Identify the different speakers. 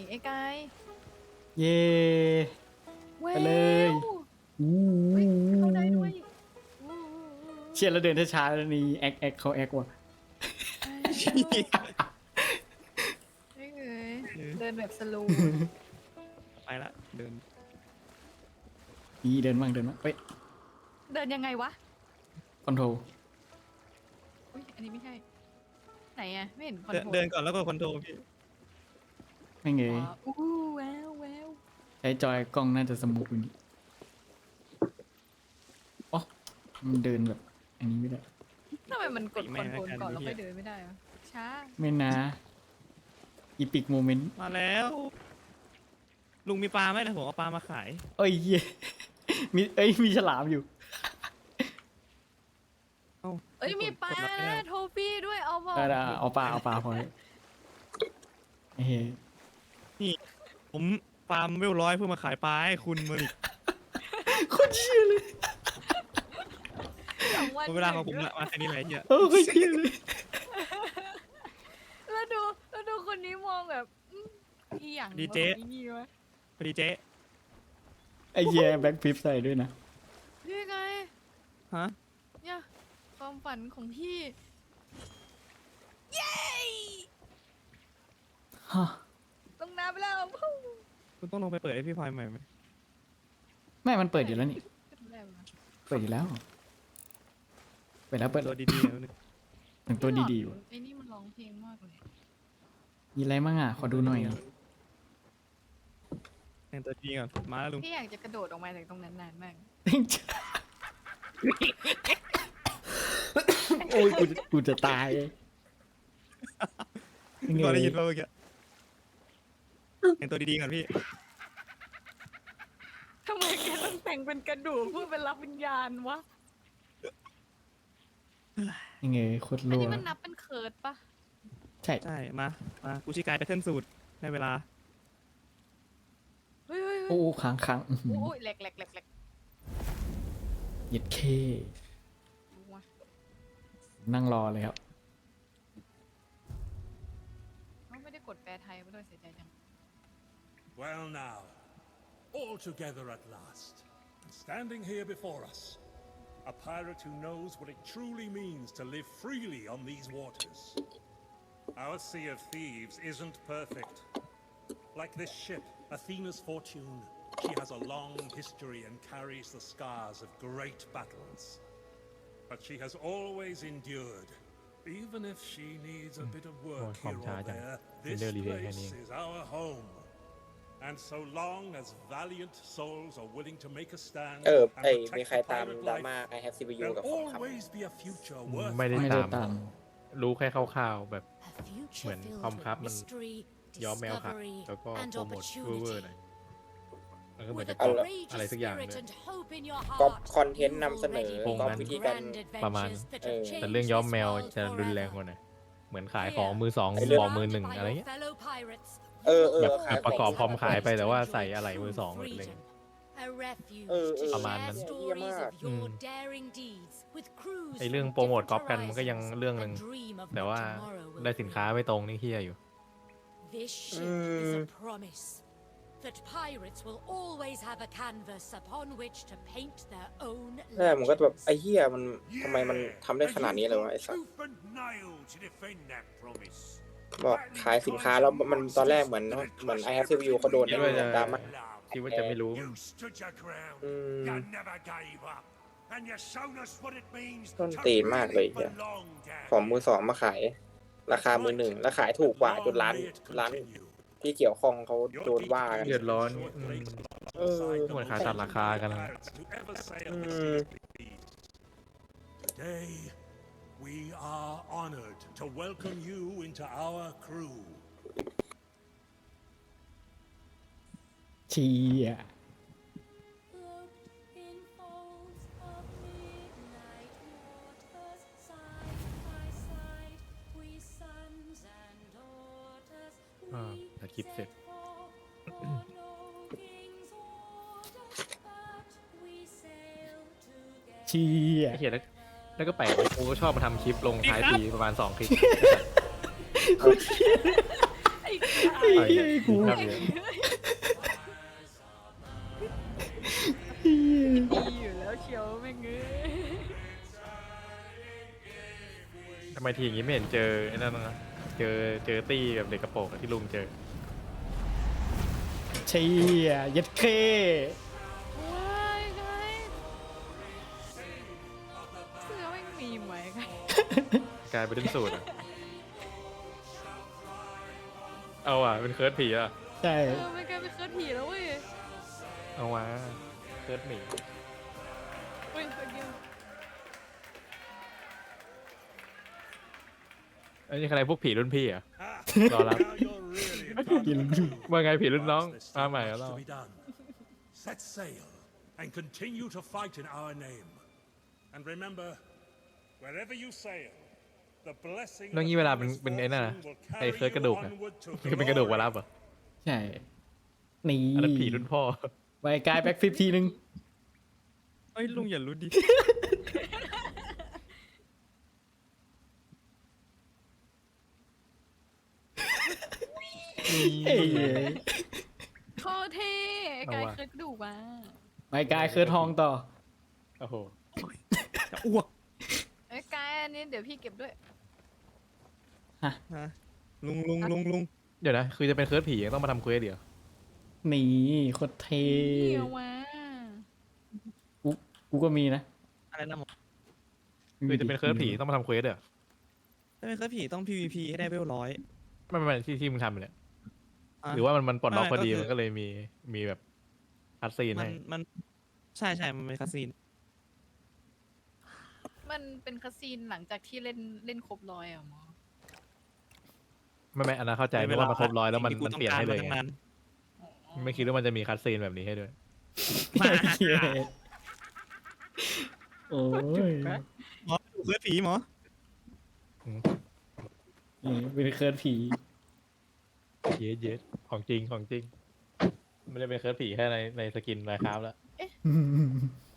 Speaker 1: ไอ้กาย
Speaker 2: เย่ไปเลย
Speaker 1: เฮ้ยเข้าได้ด้วยอู้
Speaker 2: เชียร์แล้วเดินช้าๆแล้วนี่แอคเขาแอคว่ะ
Speaker 1: ไม่เอ้ยเดินแบบสโลว์
Speaker 3: ไปละเดิน
Speaker 2: นี่เดินมั่งเฮ้ย
Speaker 1: เดินยังไงวะ
Speaker 2: คอนโทรล
Speaker 1: อุ้ยอันนี้ไม่ใช่ไหนอะไม่เห็นคอนโทรล
Speaker 3: เดินก่อนแล้วก็คอนโทรลพี่
Speaker 2: ไม่เงย
Speaker 1: อู้แววแวว
Speaker 2: ใช้จอยกล้องน่าจะสมูทกว่านี้อ๋อมันเดินแบบ อันนี้ไม่ได้
Speaker 1: ทำไมมันกดคอนโทรลก่อนแล้วค่อยเดินไม่ได้วะช้า
Speaker 2: ไม่นะอีพิกโมเมนต์
Speaker 3: มาแล้ว ลุงมีปลาไหมนะผมเอาปลามาขาย
Speaker 2: เอ้ยเย่มีฉลามอยู่
Speaker 1: เอ้ยมีปลานะโทฟี่ด้วยเอาบอก
Speaker 2: เอาปลาพอเลยเฮ้ย
Speaker 3: ผมฟาร์มเวลร้อยเพื่อมาขายปลาให้คุณมาดิ
Speaker 2: โคตรเชี่ยเลย
Speaker 1: 2 วัน
Speaker 3: เวลาของผมละมาแค่นี้แหละเฮีย
Speaker 2: โคตรเชี่ยเลย
Speaker 1: แล้วดูคนนี้มองแบบอีหยัง
Speaker 3: ดีเจ
Speaker 1: วะนี่วะ
Speaker 3: พอดีเจ๊
Speaker 2: ไอ้เหี้ยแบ็คพิฟใส่ด้วยนะ
Speaker 1: นี่ไง
Speaker 3: ฮะ
Speaker 1: เนี่ยความฝันของพี่ เย้
Speaker 2: ฮะ
Speaker 1: ลงน้ำไปแล้วพุ่ง
Speaker 3: คุณต้องลงไปเปิดให้พี่พลอยใหม่ไหม
Speaker 2: ไม่มันเปิดอยู่แล้วนี่
Speaker 1: ขึ้นแล้วนะ
Speaker 2: เปิดอยู่แล้ว เปิดแล้ว
Speaker 3: ตัวดีๆแล้วนึง
Speaker 2: ถึงตัวดีๆอยู่
Speaker 1: ไอ้นี่มันร้องเพลงมากเลย
Speaker 2: มีอะไรมั่งอ่ะ ขอดูหน่อย
Speaker 3: แต่งตัวดีก่อนมาแล้วลุง
Speaker 1: พี่อยากจะกระโดดออกมาจากตรงนั้นนานมาก
Speaker 2: โอ้ยกูจะตาย
Speaker 3: พี่พลอยได้ยินป่ะเมื่อกี้แต่งตัวดีๆก่อนพี่
Speaker 1: ทำไมแกต้องแต่งเป็นกระดูกพูดเป็นรับวิญญาณวะ
Speaker 2: ยังไงโคตร
Speaker 1: อัน
Speaker 2: รัว
Speaker 1: นี้มันนับเป็นเคิร์ดปะ
Speaker 2: ใช่
Speaker 3: ใช่มากูชิกายไปเทิร์นสูตรได้เวลา
Speaker 1: เฮ้ย
Speaker 2: โอ้ค้างอื้อหือ
Speaker 1: โอ้ยแหลก
Speaker 2: เหยียดเค
Speaker 1: วะ
Speaker 2: นั่งรอเลยครับ
Speaker 1: เขาไม่ได้กดแปลไทยมาด้วยเสียใจจัง
Speaker 4: Well now, all together at last, and standing here before us, a pirate who knows what it truly means to live freely on these waters. Our Sea of Thieves isn't perfect. Like this ship, Athena's Fortune, she has a long history and carries the scars of great battles. But she has always endured. Even if she needs a bit of work here or there, this place is our home. And so long as valiant souls are willing to make a stand
Speaker 5: ไอ้
Speaker 4: and
Speaker 5: มี
Speaker 4: protect
Speaker 5: ใคร
Speaker 4: the
Speaker 5: ตาม
Speaker 4: pirate
Speaker 5: ดราม่า
Speaker 4: life,
Speaker 5: I have CPU
Speaker 4: there'll
Speaker 5: กับของคำ
Speaker 4: always be a future worth
Speaker 6: ไม่ได้
Speaker 2: ไม่ได้
Speaker 6: ตาม
Speaker 2: ตาม
Speaker 6: รู้แค่คร่าวๆแบบ
Speaker 7: เหมือนความครับมันย้อมแมวค่ะแล้วก็โปรโมทเวอร์ๆหน่อยแล้วก็เหมือนจะ
Speaker 5: เอา
Speaker 7: ก๊อป
Speaker 5: ละ
Speaker 7: อะไรสักอย่างเลย
Speaker 5: ก๊อปคอนเทนต์นำเสนอ
Speaker 6: โครง
Speaker 5: ก๊อป
Speaker 6: นั้น
Speaker 5: วิธีการ
Speaker 6: ประมาณ แต่เรื่องย้อมแมวจะรุนแรงกว่าหน่อยเหมือนขายของมือสอง
Speaker 5: ไอ้เรื่อง
Speaker 6: บอกมือหนึ่งอะไรเงี้ย แบบประกอบพร้อมขายไปแต่ว่าใส่อะไรมือสองอะไรเงี้ย ประมาณนั้น ไอเรื่องโปรโมทก๊อปกันมันก็ยังเรื่องหนึ่งแต่ว่าได้สินค้าไม่ตรงนี่เฮียอยู่
Speaker 7: This ship is a promise that pirates will always have a canvas upon which to paint their own
Speaker 5: ใช่ผมก็
Speaker 7: legends.
Speaker 5: แบบไอ้เหี้ยมันทำไมมันทำได้ขนาดนี้เลยวะไอ้สัส
Speaker 4: Tooth and nail to defend that promise.
Speaker 5: บอกขายสินค้าแล้วมันตอนแรกเหมือนI have CPU เขาโดน
Speaker 6: คิดว่าจะ
Speaker 5: ดราม่า
Speaker 6: คิดว่าจะไม่รู้
Speaker 4: You stood your ground.
Speaker 5: Mm.
Speaker 4: You never gave up. And you shown us what it means
Speaker 5: ต้น
Speaker 4: to
Speaker 5: ตีนมากเลย
Speaker 4: really
Speaker 5: เหี้ย
Speaker 4: belong down
Speaker 5: ของ
Speaker 4: here.
Speaker 5: มือสองมาขาย ราคามือหนึ่งแล้วขายถูกกว่าจนร้าน ที่เกี่ยวข้องเขาโดนว่ากัน
Speaker 6: เดือดร้อน
Speaker 5: Mm.
Speaker 6: เหมือนขายตัดราคากันนะ
Speaker 4: Today, we are honored to welcome you into our crew.
Speaker 2: เชีย
Speaker 7: Cloaked in folds of midnight waters, side by side, we sons and daughters,
Speaker 6: ตัดคลิปเสร็จ
Speaker 7: set forth for no king's order, but we sail together.
Speaker 2: เชีย
Speaker 6: ไอ้เฮียแล้วก็แปลกกูก็ชอบมาทำคลิปลงท้ายปีประมาณ2 คลิป
Speaker 1: ไอ้
Speaker 2: ไอ้เหี้ยกู
Speaker 3: ครับเนี่ย
Speaker 1: ดีอยู่แล้วเชียวแม่งเอ้ย
Speaker 3: ทำไมทีอย่างงี้ไม่เห็นเจอไอ้นั่นนะเจอตี้กับเด็กกระโปรงอะที่ลุงเจอ
Speaker 2: เชี่ยยัดเค
Speaker 1: ว้ายไงเสื้อแม่งมีไหมไง
Speaker 3: กลายเป็นเล่นสูตรอะเอาอ่ะเป็นเคิร์ดผีอ่ะ
Speaker 2: ใช่
Speaker 1: ไม่กลายเป็นเคิร์ดผีแล้วเว้ย
Speaker 3: เอาวะเคิร์ดหมี
Speaker 1: เฮ้ยเมื่อกี้
Speaker 3: ไอ้นี่ใครพวกผีรุ่นพี่อ่ะ
Speaker 4: Ha!
Speaker 3: Đó lắm.
Speaker 4: Now you're really coming.
Speaker 3: ว่าไงผีรุ่นน้อง
Speaker 4: There's
Speaker 3: มา
Speaker 4: still
Speaker 3: ใหม่แล้ว
Speaker 4: much
Speaker 3: เรา
Speaker 4: to be done. Set sail and continue to fight in our name. And remember, wherever you sail, the blessing
Speaker 3: น้อง
Speaker 4: of
Speaker 3: งี้
Speaker 4: the
Speaker 3: เวลา
Speaker 4: promised
Speaker 3: เป็นไอ้นั่นนะ
Speaker 4: fortune will
Speaker 3: ไอ้
Speaker 4: carry
Speaker 3: เคิร์ดกระ
Speaker 4: you
Speaker 3: ดูกอะ
Speaker 4: onward to
Speaker 3: คือเป็นกระดูก
Speaker 4: glory.
Speaker 3: วารับเหรอ
Speaker 2: ใช่นี่
Speaker 3: อันนั้นผีรุ่นพ่อ
Speaker 2: ไปกายแบ็คฟิปทีนึง
Speaker 3: เอ้ยลุงอย่ารู้ดิ
Speaker 2: เอ้ย
Speaker 1: โคตรเท่กาย
Speaker 3: เอาว่ะ
Speaker 1: เคิร์ดกระดูกมา
Speaker 2: ไปกายเคือทองต่อ
Speaker 3: โอ้โห
Speaker 8: จะอ้วก
Speaker 1: ไอ้ยกายอันนี้เดี๋ยวพี่เก็บด้วย
Speaker 8: ฮะลุง
Speaker 3: เดี๋ยวนะ คือจะเป็นเคิร์ดผียังต้องมาทำเควสเดี๋ยว
Speaker 2: นี่โคตรเท่
Speaker 1: เดี๋ยวมา
Speaker 2: กูก็มีนะ
Speaker 8: อะไรนะหมอ
Speaker 3: คือจะเป็นเคิร์ดผีต้องมาทำเควสเดี๋ยว
Speaker 8: ถ้าเป็นเคยผีต้อง PVP ให้ได้เวล100
Speaker 3: ไม่ที่มึงทำเนี่ย
Speaker 8: ะ
Speaker 3: หรือว่ามันปลดล็อกพอดี
Speaker 8: ไม่ก็คือ
Speaker 3: มันก็เลยมีแบบคัดซีน
Speaker 8: มั
Speaker 3: ให้
Speaker 8: นมันใช่มันเป็นคาซีน
Speaker 1: มันเป็นคาซีนหลังจากที่เล่นครบร้อยอ่ะหมอ
Speaker 3: ไม่อันนั้นเข้าใจไม่ว่ามันครบร้อยแล้วมัน
Speaker 8: สิ่งที่กู
Speaker 3: เปลี่ยนให้เลย
Speaker 8: ต้อง
Speaker 3: ไง
Speaker 8: การมาตั้งนาน
Speaker 3: ไม่คิดว่ามันจะมีคัดซีนแบบนี้ให้ด้วย
Speaker 2: เหี้ยโอ้ย
Speaker 8: หมอดูเคยผีหมอ
Speaker 2: นี่เป็นเคิร์ดผี
Speaker 3: เย็ดของจริง ไม่ได้เป็นเคิร์ดผีแค่ในสกินไมค์ครับแล้ว
Speaker 2: อืม